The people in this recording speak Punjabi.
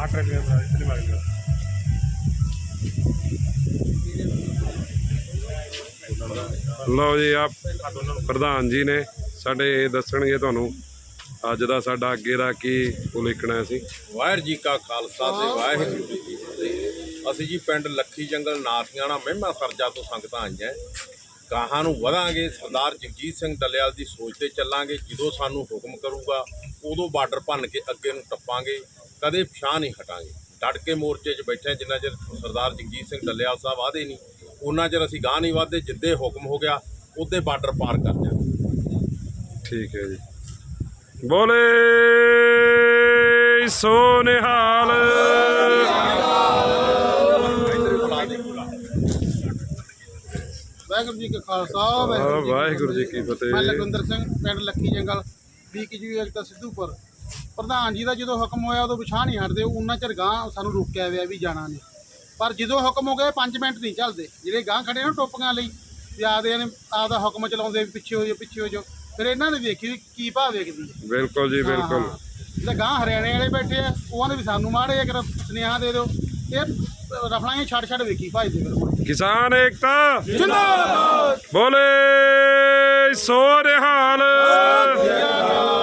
ਲਓ ਜੀ, ਆ ਪ੍ਰਧਾਨ ਜੀ ਨੇ ਸਾਡੇ, ਦਸਣਗੇ ਤੁਹਾਨੂੰ ਅੱਜ ਦਾ ਸਾਡਾ ਅੱਗੇ ਦਾ ਕੀ ਉਲੀਕਣਾ ਸੀ। ਵਾਹਿਗੁਰੂ ਜੀ ਕਾ ਖਾਲਸਾ ਤੇ ਵਾਹਿਗੁਰੂ ਜੀ ਕੀ ਫਤਿਹ। ਅਸੀਂ ਜੀ ਪਿੰਡ ਲੱਖੀ ਜੰਗਲ ਨਾਥਿਆਣਾ ਮਹਿਮਾ ਸਰਜਾ ਤੋਂ ਸੰਗਤਾਂ ਆਈਆਂ। ਗਾਹਾਂ ਨੂੰ ਵਧਾਂਗੇ, ਸਰਦਾਰ ਜਗਜੀਤ ਸਿੰਘ ਡੱਲੇਵਾਲ ਦੀ ਸੋਚ ਤੇ ਚੱਲਾਂਗੇ। ਜਦੋਂ ਸਾਨੂੰ ਹੁਕਮ ਕਰੂਗਾ ਉਦੋਂ ਬਾਰਡਰ ਭੰਨ ਕੇ ਅੱਗੇ ਨੂੰ ਟੱਪਾਂਗੇ, ਕਦੇ ਪਿਛਾਂਹ ਨਹੀਂ ਹਟਾਂਗੇ। ਡਟ ਕੇ ਮੋਰਚੇ 'ਚ ਬੈਠੇ। ਜਿੰਨਾ ਚਿਰ ਸਰਦਾਰ ਜਗਜੀਤ ਸਿੰਘ ਡੱਲੇਵਾਲ ਸਾਹਿਬ ਵਾਅਦੇ ਨਹੀਂ, ਉਹਨਾਂ ਚਿਰ ਅਸੀਂ ਗਾਹ ਨਹੀਂ ਵੱਧਦੇ। ਜਿੱਦੇ ਹੁਕਮ ਹੋ ਗਿਆ ਉੱਦੇ ਬਾਰਡਰ ਪਾਰ ਕਰ ਜਾਵਾਂਗੇ। ਠੀਕ ਹੈ ਜੀ। ਬੋਲੇ ਸੋ ਨਿਹਾਲ। ਵਾਹਿਗੁਰੂ ਜੀ ਕਾ ਖਾਲਸਾ ਵਾਹਿਗੁਰੂ ਜੀ ਕੀ ਫਤਿਹ। ਮੈਂ ਲਖਵਿੰਦਰ ਸਿੰਘ, ਪਿੰਡ ਲੱਖੀ ਜੰਗਲ, BKG ਏਕਤਾ ਸਿੱਧੂਪੁਰ। ਪ੍ਰਧਾਨ ਜੀ ਦਾ ਜਦੋਂ ਹੁਕਮ ਹੋਇਆ ਉਦੋਂ ਪਿਛਾਂਹ ਨਹੀਂ ਹਟਦੇ। ਉਹਨਾਂ ਚਿਰ ਗਾਂਹ ਸਾਨੂੰ ਰੋਕਿਆ ਹੋਇਆ ਵੀ ਜਾਣਾ ਨਹੀਂ, ਪਰ ਜਦੋਂ ਹੁਕਮ ਹੋ ਗਏ 5 ਮਿੰਟ ਨਹੀਂ ਚੱਲਦੇ। ਜਿਹੜੇ ਗਾਂਹ ਖੜੇ ਨਾ ਟੋਪੀਆਂ ਲਈ ਵੀ ਆਪਦਾ ਹੁਕਮ ਚਲਾਉਂਦੇ ਵੀ ਪਿੱਛੇ ਹੋ ਜਾਓ ਪਿੱਛੇ ਹੋ ਜਾਓ। ਫਿਰ ਇਹਨਾਂ ਨੇ ਵੇਖੀ ਵੀ ਕੀ ਭਾਅ ਵੇਖਦੀ ਹੈ। ਬਿਲਕੁਲ ਜੀ ਬਿਲਕੁਲ। ਜਿਹੜੇ ਗਾਂਹ ਹਰਿਆਣੇ ਵਾਲੇ ਬੈਠੇ ਆ ਉਹਨਾਂ ਦੇ ਵੀ ਸਾਨੂੰ ਮਾੜੇ ਆ, ਸੁਨੇਹਾ ਦੇ ਦਿਓ। ਇਹ ਰਫਲਾਂ ਛੱਡ ਵੇਖੀ ਭਜਦੇ ਫਿਰ। ਕਿਸਾਨ ਏਕਤਾ ਜਿੰਦਾਬਾਦ। ਬੋਲੇ ਸੋ ਨਿਹਾਲ।